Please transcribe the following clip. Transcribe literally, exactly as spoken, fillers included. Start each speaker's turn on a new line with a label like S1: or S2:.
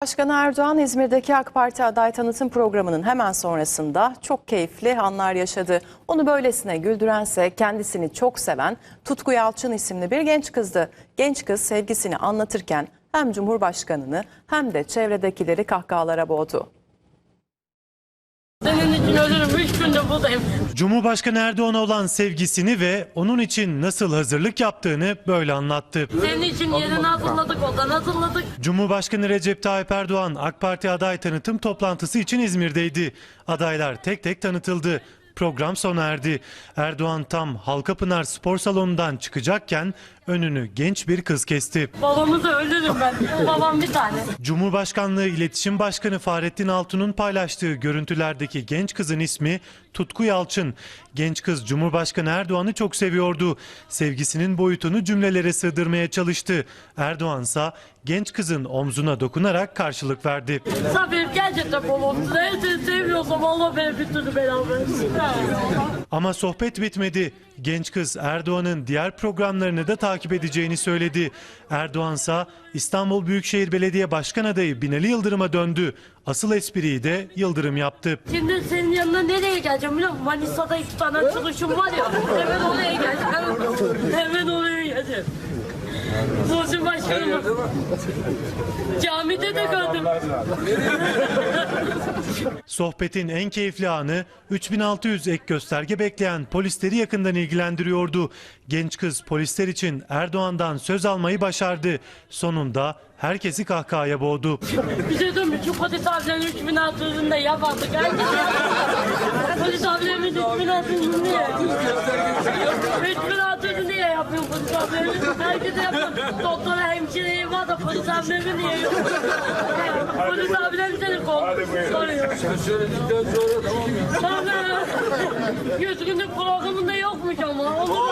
S1: Başkanı Erdoğan İzmir'deki AK Parti aday tanıtım programının hemen sonrasında çok keyifli anlar yaşadı. Onu böylesine güldürense kendisini çok seven Tutku Yalçın isimli bir genç kızdı. Genç kız sevgisini anlatırken hem Cumhurbaşkanını hem de çevredekileri kahkahalara boğdu.
S2: Senin için ölürüm, üç günde buradayım.
S3: Cumhurbaşkanı Erdoğan'a olan sevgisini ve onun için nasıl hazırlık yaptığını böyle anlattı.
S2: Senin için yerini hazırladık, odan hazırladık.
S3: Cumhurbaşkanı Recep Tayyip Erdoğan AK Parti aday tanıtım toplantısı için İzmir'deydi. Adaylar tek tek tanıtıldı. Program sona erdi. Erdoğan tam Halkapınar Spor Salonu'ndan çıkacakken önünü genç bir kız kesti.
S2: Babamı da ölürüm ben. Babam bir tane.
S3: Cumhurbaşkanlığı İletişim Başkanı Fahrettin Altun'un paylaştığı görüntülerdeki genç kızın ismi Tutku Yalçın. Genç kız Cumhurbaşkanı Erdoğan'ı çok seviyordu. Sevgisinin boyutunu cümlelere sığdırmaya çalıştı. Erdoğansa genç kızın omzuna dokunarak karşılık verdi.
S2: Sabir gerçekten babam. Seni seviyorsam Allah beni bir türlü beraber.
S3: Ama sohbet bitmedi. Genç kız Erdoğan'ın diğer programlarını da takip edeceğini söyledi. Erdoğansa İstanbul Büyükşehir Belediye Başkan adayı Binali Yıldırım'a döndü. Asıl espriyi de Yıldırım yaptı.
S2: Şimdi senin yanına nereye geleceğim biliyor musun? Manisa'da iki tane açılışım var ya. Hemen oraya geleceğim. Hemen oraya geleceğim. Muhsin Başkanım. Camide de gördüm.
S3: Sohbetin en keyifli anı üç bin altı yüz ek gösterge bekleyen polisleri yakından ilgilendiriyordu. Genç kız polisler için Erdoğan'dan söz almayı başardı. Sonunda herkesi kahkahaya boğdu.
S2: Bir şey dönmüş, şu polis abilerin üç bin altı yüzünde yapardık. Herkes polis abilerin üç bin altı yüzünde niye? üç bin altı yüzünde niye yapıyor polis abilerin? Herkese yapıyor. Doktora, hemşireyi var da polis abilerin niye yok? Polis abilerin seni soruyor. Sonra yüz günlük programında yokmuş ama.